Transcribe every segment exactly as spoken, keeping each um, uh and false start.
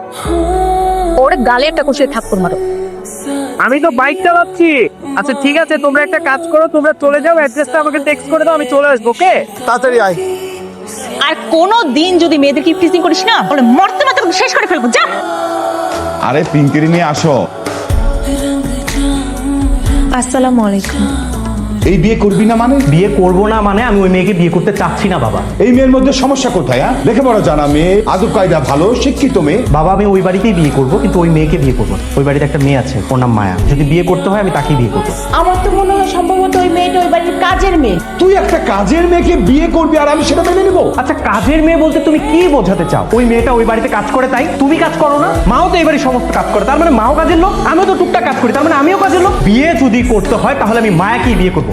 ওরে গালে একটা কষে থাপ্পড় মারো। আমি তো বাইক চালাচ্ছি। আচ্ছা ঠিক আছে, তোমরা একটা কাজ করো, তোমরা চলে যাও, অ্যাড্রেসটা আমাকে টেক্সট করে দাও, আমি চলে আসবো। ওকে, তাড়াতাড়ি আয়। আর কোনো দিন যদি মেয়েদেরকে টিচিং করিস না, তাহলে মরতে মরতে শেষ করে ফেলবো। যা। আরে পিঙ্কিরি নিয়ে আসো। আসসালামু আলাইকুম। এই বিয়ে করবি না মানে? বিয়ে করবো না মানে আমি ওই মেয়েকে বিয়ে করতে চাচ্ছি না বাবা। এই মেয়ের মধ্যে সমস্যা কোথায়? হ্যাঁ, লেখাপড়া জানা মেয়ে, আদব কায়দা ভালো, শিক্ষিত মেয়ে। বাবা আমি ওই বাড়িতেই বিয়ে করবো, কিন্তু ওই মেয়েকে বিয়ে করবো না। ওই বাড়িতে একটা মেয়ে আছে, ওর নাম মায়া। যদি বিয়ে করতে হয় আমি তাকেই বিয়ে করবো। আমার তো মনে হয় সম্ভবত ওই মেয়েটা ওই বাড়ির কাজের মেয়ে। তুই একটা কাজের মেয়েকে বিয়ে করবি আর আমি সেটা মেনে নেবো? আচ্ছা কাজের মেয়ে বলতে তুমি কি বোঝাতে চাও? ওই মেয়েটা ওই বাড়িতে কাজ করে তাই তুমি কাজ করো না? মাও তো এই বাড়ির সমস্ত কাজ করে, তার মানে মাও কাজের লোক। আমিও তো টুকটাক কাজ করি, তার মানে আমিও কাজের লোক। বিয়ে যদি করতে হয় তাহলে আমি মায়াকেই বিয়ে করবো।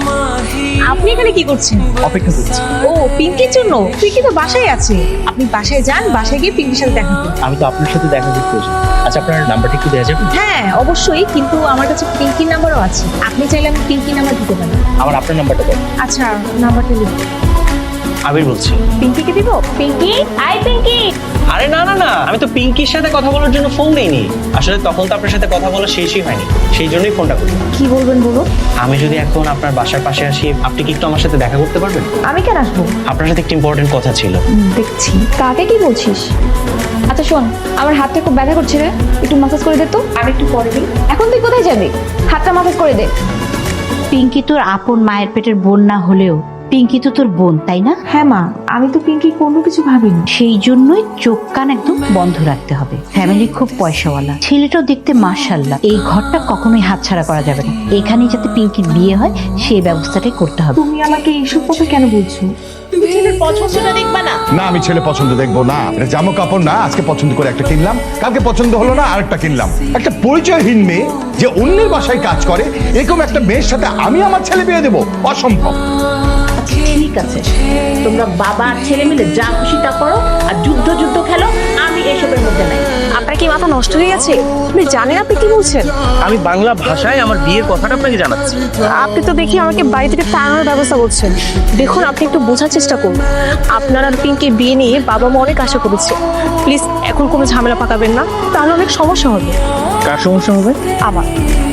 আপনি এখানে কি করছেন? অপেক্ষা করছি। ও পিঙ্কির জন্য? পিঙ্কি তো বাসায় আছে। আপনি বাসায় যান, বাসায় গিয়ে পিঙ্কির সাথে দেখা করুন। আমি তো আপনার সাথে দেখা করতে এসেছি। আচ্ছা আপনার নাম্বারটা একটু দেওয়া যাবে? হ্যাঁ অবশ্যই, কিন্তু আমার কাছে পিঙ্কির নাম্বারও আছে। আপনি চাইলে আমি পিঙ্কির নাম্বার দিতে পারি। আমার আপনার নাম্বারটা দেন। আচ্ছা নাম্বারটা লিখুন। আবির বলছি। পিঙ্কিকে দিব? পিঙ্কি, আই পিঙ্কি। আরে না না না, আমি তো পিঙ্কির সাথে কথা বলার জন্য ফোন দেইনি। আসলে তখন তো আপনার সাথে কথা বলা শেষই হয়নি, সেই জন্যই ফোনটা করলাম। কি বলবেন বলো? আমি যদি এখন আপনার বাসার পাশে আসি, আপনি কি একটু আমার সাথে দেখা করতে পারবেন? আমি কেন আসবো? আপনার সাথে একটা ইম্পর্টেন্ট কথা ছিল। দেখছি। কাকে কি বলছিস? আচ্ছা শোন, আমার হাতটা খুব ব্যথা করছে রে, একটু মাসাজ করে দে তো। আমি একটু পরে দিই। এখন তুই কোথায় যাবি? হাতটা মাসাজ করে দে। পিঙ্কি তোর আপন মায়ের পেটের বোন না হলেও পিঙ্কি তো তোর বোন, তাই না? হ্যাঁ মা, আমি তো পিঙ্কি কোনো কিছু ভাবিনি। সেই জন্যই চোখ কান একদম বন্ধ রাখতে হবে। ফ্যামিলি খুব পয়সাওয়ালা, ছেলেটাও দেখতে মাশাআল্লাহ। এই ঘরটা কখনোই হাতছাড়া করা যাবে না। এখানেই যাতে পিঙ্কির বিয়ে হয় সেই ব্যবস্থাটাই করতে হবে। তুমি আমাকে এইসব কথা কেন বলছো? তুমি ছেলের পছন্দটা দেখবা না? না, আমি ছেলে পছন্দ দেখবো না। এটা জামা কাপড় না, আজকে পছন্দ করে একটা কিনলাম, কালকে পছন্দ হলো না আরেকটা কিনলাম। একটা পরিচয়হীন মেয়ে যে অন্যের বাসায় কাজ করে, এরকম একটা মেয়ের সাথে আমি আমার ছেলে বিয়ে দেবো? অসম্ভব। ঠিক আছে, তোমরা বাবা আর ছেলে মিলে যা খুশি তা করো, আর যুদ্ধ যুদ্ধ খেলো। আমি এসবের মধ্যে নাই। আপনার কি মাথা নষ্ট হয়ে গেছে? আপনি জানেন আপনি কি বলছেন? আমি বাংলা ভাষায় আমার বিয়ের কথাটা আপনাকে জানাচ্ছি। আপনি তো দেখি আমাকে বাড়ি থেকে তাড়ানোর ব্যবস্থা করছেন। দেখুন আপনি একটু বোঝার চেষ্টা করুন। আপনার আর পিঙ্কির বিয়ে নিয়ে বাবা মা অনেক আশা করেছে। প্লিজ এখন কোনো ঝামেলা পাকাবেন না, তাহলে অনেক সমস্যা হবে। কার সমস্যা হবে? আমার।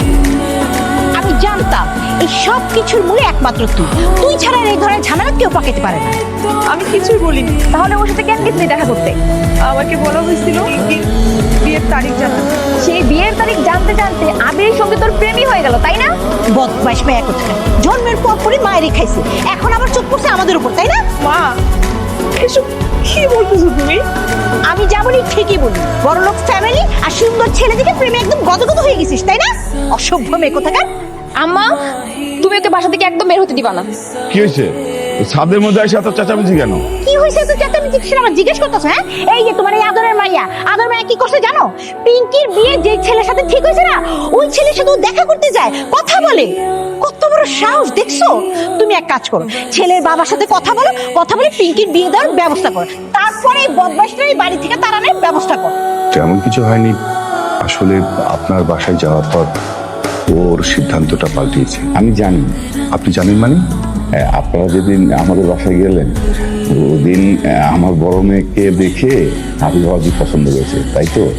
আমি জানতাম এই সব কিছুর মূলে একমাত্র তুই। তুই ছাড়া এই ধরনের ঝামেলা কেউ পাকাতে পারে না। আমি কিছুই বলিনি। তাহলে ওর সাথে কেন গেছিলি দেখা করতে? আমাকে বলা হয়েছিল বিয়ের তারিখ জানাতে। সেই বিয়ের তারিখ জানতে জানতে আবিরের সঙ্গে তোর প্রেমই হয়ে গেল, তাই না? বদমাইশ মেয়ে কোথায়! জন্মের পর পরই মায়েরই খাইছে, এখন আবার চোখ পড়ছে আমাদের উপর, তাই না? মা এসব কি বলতেছো তুমি? আমি যেমনই ঠিকই বলি, বড়লোক ফ্যামিলি আর সুন্দর ছেলে দেখে প্রেমে একদম গদগদ হয়ে গেছিস, তাই না? অসভ্য মেয়ে কোথাকার! আম্মা তুমি ওকে বাসা থেকে একদম বের হতে দিবা না। কি হয়েছে? ছাদের মধ্যে এসে এত চেঁচামেচি কেন? কি হয়েছে তো চেঁচামেচি সেটা আমার জিজ্ঞেস করতেছো? হ্যাঁ, এই যে তোমার এই আদরের মাইয়া, আদর মাইয়া কি করছে জানো? পিঙ্কির বিয়ে যে ছেলের সাথে ঠিক হয়েছে না, ওই ছেলের সাথে ও দেখা করতে যায়, কথা বলে। কত বড় সাহস দেখছো? তুমি এক কাজ করো, ছেলের বাবার সাথে কথা বলো, কথা বলে পিঙ্কির বিয়ে দেওয়ার ব্যবস্থা করো, তারপরে এই বদমাইশটা এই বাড়ি থেকে তাড়ানোর ব্যবস্থা করো। তেমন কিছু হয়নি, আসলে আপনার বাসায় যাওয়ার পর ওর সিদ্ধান্তটা পাল্টিয়েছে। আমি জানি। আপনি জানেন মানে? হ্যাঁ, আপনারা যেদিন আমাদের বাসায় গেলেন ওদিন আমার বড় মেয়েকে দেখে আবি বাবাজি পছন্দ করেছে, তাই তো?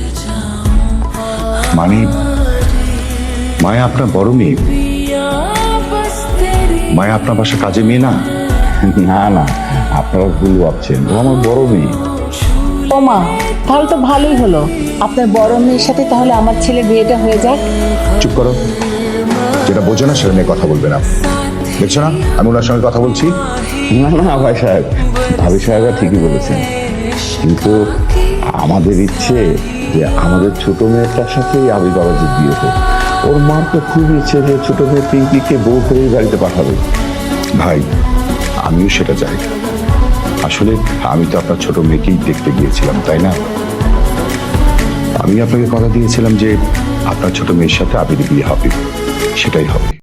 মানে মায়া আপনার বড় মেয়ে? মায়া আপনার বাসায় কাজে মেয়ে না? না না, আপনারা ভুল ভাবছেন, ও আমার বড় মেয়ে। ও মা, তাহলে তো ভালোই হলো। আপনার বড় মেয়ের সাথে তাহলে আমার ছেলের বিয়েটা হয়ে যাক। চুপ করো, যেটা বোঝো না সেটা নিয়ে কথা বলবে না। দেখছো না আমি ওনার সঙ্গে কথা বলছি? না না ভাই সাহেব, ভাবি সাহেবরা ঠিকই বলেছেন, কিন্তু আমাদের ইচ্ছে যে আমাদের ছোট মেয়েটার সাথেই আবি বাবাজির বিয়ে হোক। ওর মার তো খুব ইচ্ছে যে ছোট মেয়ে পিঙ্কিকে বউ করে বাড়িতে পাঠাবে। ভাই আমিও সেটা চাই। আসলে আমি তো আপনার ছোট মেয়েকেই দেখতে গিয়েছিলাম, তাই না? আমি আপনাকে কথা দিয়েছিলাম যে আপনার ছোট মেয়ের সাথে আবির বিয়ে হবে, সেটাই হবে।